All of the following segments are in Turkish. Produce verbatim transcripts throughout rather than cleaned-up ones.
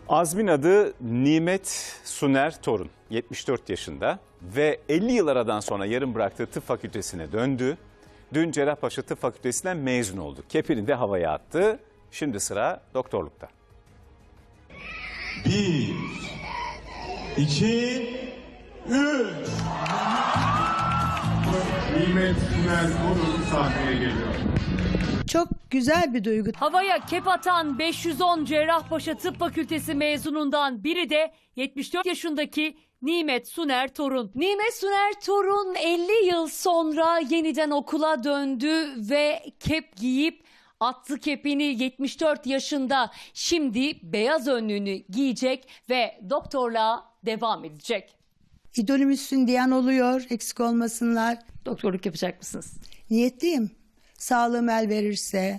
Azmin adı Nimet Suner Torun, yetmiş dört yaşında ve elli yıl aradan sonra yarım bıraktığı tıp fakültesine döndü. Dün Cerrahpaşa Tıp Fakültesinden mezun oldu. Kepini de havaya attı. Şimdi sıra doktorlukta. Bir, iki, üç. Nimet Suner Torun sahneye geliyor. Çok güzel bir duygu. Havaya kep atan beş yüz on Cerrahpaşa Tıp Fakültesi mezunundan biri de yetmiş dört yaşındaki Nimet Suner Torun. Nimet Suner Torun elli yıl sonra yeniden okula döndü ve kep giyip attı kepini. Yetmiş dört yaşında şimdi beyaz önlüğünü giyecek ve doktorluğa devam edecek. İdolümüzsün diyen oluyor, eksik olmasınlar. Doktorluk yapacak mısınız? Niyetliyim. Sağlığım el verirse,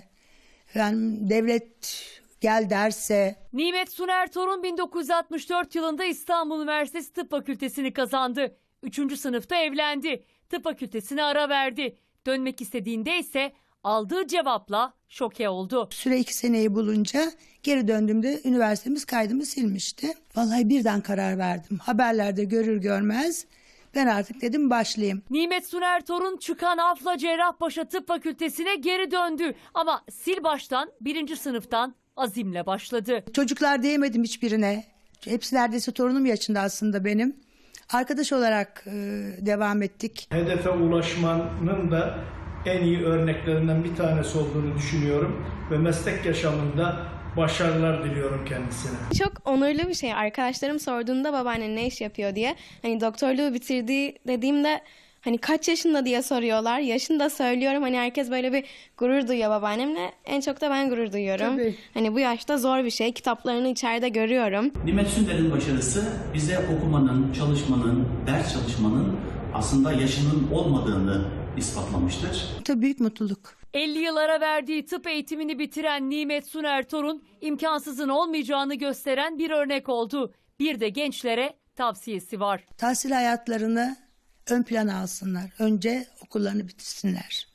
yani devlet gel derse. Nimet Suner Torun bin dokuz yüz altmış dört yılında İstanbul Üniversitesi Tıp Fakültesini kazandı. Üçüncü sınıfta evlendi. Tıp fakültesine ara verdi. Dönmek istediğinde ise aldığı cevapla şoke oldu. Süre iki seneyi bulunca geri döndüğümde üniversitemiz kaydımı silmişti. Vallahi birden karar verdim. Haberlerde görür görmez ben artık dedim başlayayım. Nimet Suner Torun çıkan afla Cerrahpaşa Tıp Fakültesine geri döndü. Ama sil baştan birinci sınıftan azimle başladı. Çocuklar diyemedim hiçbirine. Hepsi neredeyse torunum yaşında aslında benim. Arkadaş olarak e, devam ettik. Hedefe ulaşmanın da en iyi örneklerinden bir tanesi olduğunu düşünüyorum ve meslek yaşamında başarılar diliyorum kendisine. Çok onurlu bir şey. Arkadaşlarım sorduğunda babaannen ne iş yapıyor diye. Hani doktorluğu bitirdiği dediğimde hani kaç yaşında diye soruyorlar. Yaşını da söylüyorum. Hani herkes böyle bir gurur duyuyor babaannemle. En çok da ben gurur duyuyorum. Tabii. Hani bu yaşta zor bir şey. Kitaplarını içeride görüyorum. Nimet Suner'in başarısı bize okumanın, çalışmanın, ders çalışmanın aslında yaşının olmadığını ispatlamıştır. Tabii büyük mutluluk. elli yıl ara verdiği tıp eğitimini bitiren Nimet Suner Torun imkansızın olmayacağını gösteren bir örnek oldu. Bir de gençlere tavsiyesi var. Tahsil hayatlarını ön plana alsınlar. Önce okullarını bitirsinler.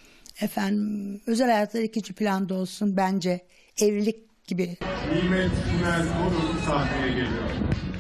Efendim özel hayatları ikinci planda olsun bence. Evlilik gibi. Nimet Suner Torun sahneye geliyor.